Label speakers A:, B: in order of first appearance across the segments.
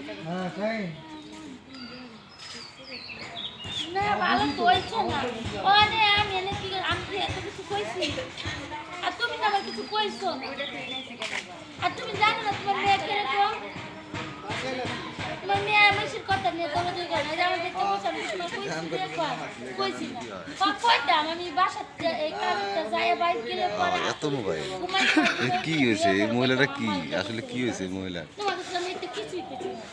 A: হ্যাঁ তাই
B: না ভালো কইছো না ওরে আমি এনে কি আমি কি এত কিছু কইছি আর তুমি না আমার কিছু কইছো না আর তুমি জানো না তোমার মেয়ে কিরকম তোমার মেয়ে আমার কথা নিয়ে তোমরা দুই করে যে আমার দেখতে বসে আমি তোমার কইছি দেখো কইছি না কইতাম আমি বাসাতে এই কাজটা যাই বাইক গেলে পরে
C: এত মোবাইল কি হয়েছে এই মহিলাটা কি আসলে কি হয়েছে এই মহিলা
B: তোমাদের সামনে তো কিছুই কিছু না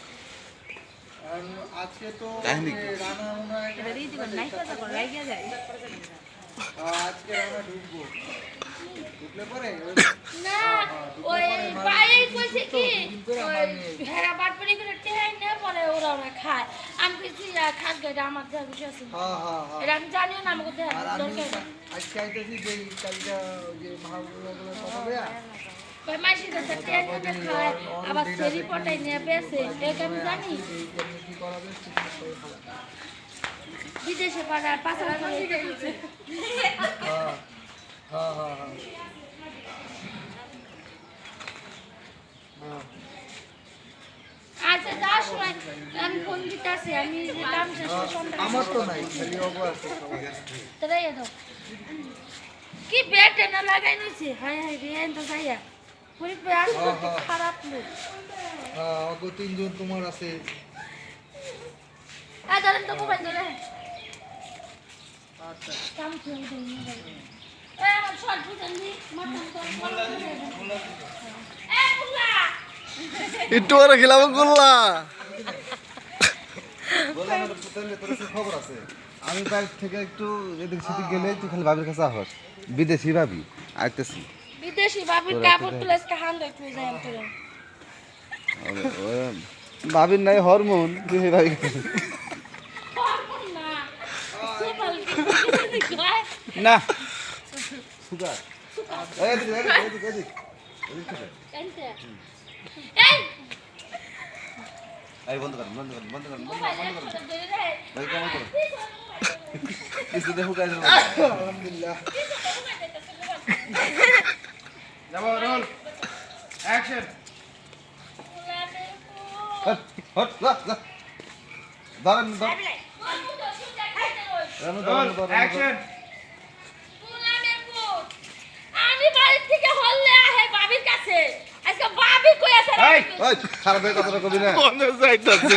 A: আজকে তো
C: কাহিনী কি?
A: রানা মনে হয়
D: এবারে দিবেন নাই কথা কোন লাগিয়া যায়
A: আজকে রানা ঢুকবো ঢুকলে পরে
B: না ওই বাইরে কইছে কি ভেড়া বাটপাড়ি করে টেহাই না পরে ওরা খায় আমি কইছি খাক গাড়ি আমার দেওয়ার বিষয় আছে এটা আমি জানিও না আমাকে দেওয়ার
A: আর আমি
B: দরকার
A: আজকে আইতেছি যে কালটা ওই যে মহাগুলো কথা বয়া
B: ওই মাসির কাছে টেহাই না খায় আবার সেরি পটাই নিয়ে বেসে এটা আমি জানি
A: কি করাবে ঠিক করে
B: বিদেশে পাড়া পাঁচ হাজার দিচ্ছে
A: হ্যাঁ হ্যাঁ হ্যাঁ হ্যাঁ
B: আচ্ছা যাওয়ার সময় আমি ফোন দিতে আসি আমি যেতাম শেষ সন্ধ্যা
A: আমার তো নাই খালি অগো আছে
B: তাই দাও কি বেটে না লাগাই নিছে হাই হাই রে তো যাইয়া পুরি প্রয়াস করতে খারাপ লোক
A: হ্যাঁ অগো তিনজন তোমার আছে
B: ধরেন তো মোবাইল ধরে
A: আচ্ছা
B: কাম খেয়ে দেই মোবাইল আমার শর্ট বুঝেন নি মাথা তো বুল্লা
C: একটু আর খেলাম গোল্লা
A: খবর আছে আমি বাইরে থেকে একটু এদিক সেদিক গেলে তুই খালি ভাবির কাছে আহস বিদেশি ভাবি আইতেছি
B: বিদেশি বাবির কাপড় তুলে আজকে হান দেখতে যাই আমি তোরে
C: ভাবির নাই হরমোন তুই ভাবি
B: হরমোন না সুপাল কি গায়
A: না সুগার এদিক এদিক এদিক এদিক
B: কেনতে এই
C: এই বন্ধ কর বন্ধ কর বন্ধ কর
B: মোবাইল একটু ধরে রে
C: ভাই কেমন করো কিছু দেখো কাজ
A: আলহামদুলিল্লাহ যাবো রোল অ্যাকশন হট হট লা লা ধরেন ধরেন রোল অ্যাকশন
B: আমি বাড়ি থেকে হল্লে আহে বাবির কাছে আজকে বাবি কই আছে
A: এই ওই খারাপ হয়ে কথাটা কবি না
C: মনে যাইতাছে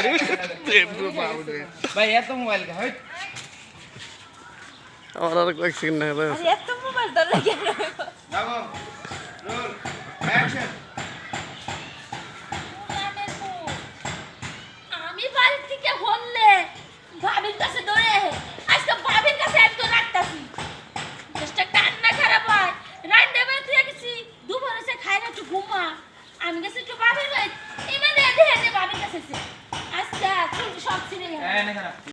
A: ভাই এত মোবাইল কা হই
C: আমার আর কয়েক সেকেন্ড না
D: আরে এত মোবাইল ধরে লাগিয়া
A: যাবো রোল অ্যাকশন
B: আমি বাড়ি থেকে হল্লে বাবির কাছে দৌড়ে আহে আজকে বাবির কাছে একদম রাখতাছি চেষ্টা কান্না খারাপ হয় রান্না বেলা তুই গেছি দুপুরে সে খাই না একটু ঘুমা আমি গেছি একটু বাবির বাড়ি এমনি দেখে বাবির কাছে আজকে সব ছিঁড়ে গেল